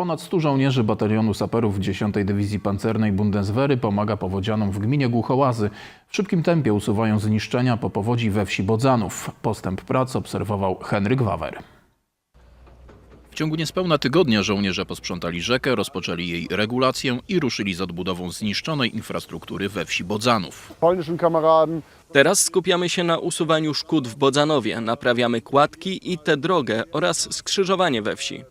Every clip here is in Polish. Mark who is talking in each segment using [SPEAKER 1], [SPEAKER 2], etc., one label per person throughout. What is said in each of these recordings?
[SPEAKER 1] Ponad 100 żołnierzy batalionu saperów 10. Dywizji Pancernej Bundeswehry pomaga powodzianom w gminie Głuchołazy. W szybkim tempie usuwają zniszczenia po powodzi we wsi Bodzanów. Postęp prac obserwował Henryk Wawer. W ciągu niespełna tygodnia żołnierze posprzątali rzekę, rozpoczęli jej regulację i ruszyli z odbudową zniszczonej infrastruktury we wsi Bodzanów.
[SPEAKER 2] Teraz skupiamy się na usuwaniu szkód w Bodzanowie, naprawiamy kładki i tę drogę oraz skrzyżowanie we wsi.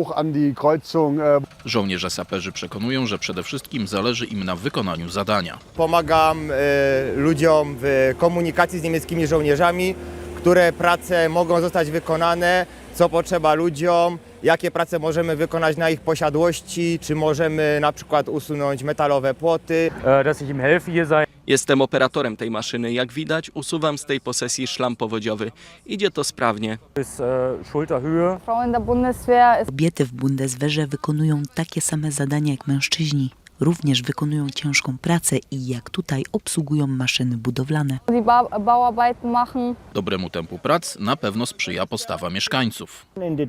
[SPEAKER 1] Żołnierze saperzy przekonują, że przede wszystkim zależy im na wykonaniu zadania.
[SPEAKER 3] Pomagam ludziom w komunikacji z niemieckimi żołnierzami, które prace mogą zostać wykonane, co potrzeba ludziom, jakie prace możemy wykonać na ich posiadłości, czy możemy na przykład usunąć metalowe płoty.
[SPEAKER 2] Jestem operatorem tej maszyny. Jak widać, usuwam z tej posesji szlam powodziowy. Idzie to sprawnie.
[SPEAKER 4] Kobiety w Bundeswehrze wykonują takie same zadania jak mężczyźni. Również wykonują ciężką pracę i jak tutaj obsługują maszyny budowlane.
[SPEAKER 1] Dobremu tempu prac na pewno sprzyja postawa mieszkańców.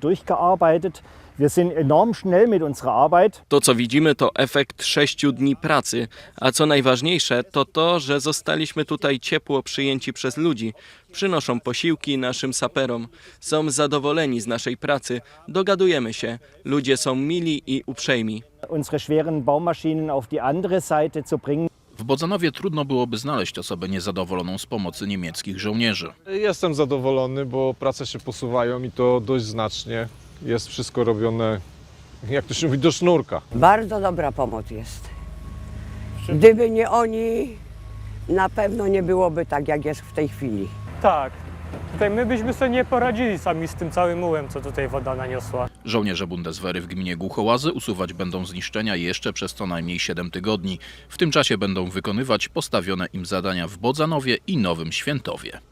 [SPEAKER 2] To, co widzimy, to efekt 6 dni pracy. A co najważniejsze, to to, że zostaliśmy tutaj ciepło przyjęci przez ludzi. Przynoszą posiłki naszym saperom. Są zadowoleni z naszej pracy. Dogadujemy się. Ludzie są mili i uprzejmi.
[SPEAKER 1] W Bodzanowie trudno byłoby znaleźć osobę niezadowoloną z pomocy niemieckich żołnierzy.
[SPEAKER 5] Jestem zadowolony, bo prace się posuwają i to dość znacznie. Jest wszystko robione, jak to się mówi, do sznurka.
[SPEAKER 6] Bardzo dobra pomoc jest. Gdyby nie oni, na pewno nie byłoby tak, jak jest w tej chwili.
[SPEAKER 7] Tak. Tutaj my byśmy sobie nie poradzili sami z tym całym mułem, co tutaj woda naniosła.
[SPEAKER 1] Żołnierze Bundeswehry w gminie Głuchołazy usuwać będą zniszczenia jeszcze przez co najmniej 7 tygodni. W tym czasie będą wykonywać postawione im zadania w Bodzanowie i Nowym Świętowie.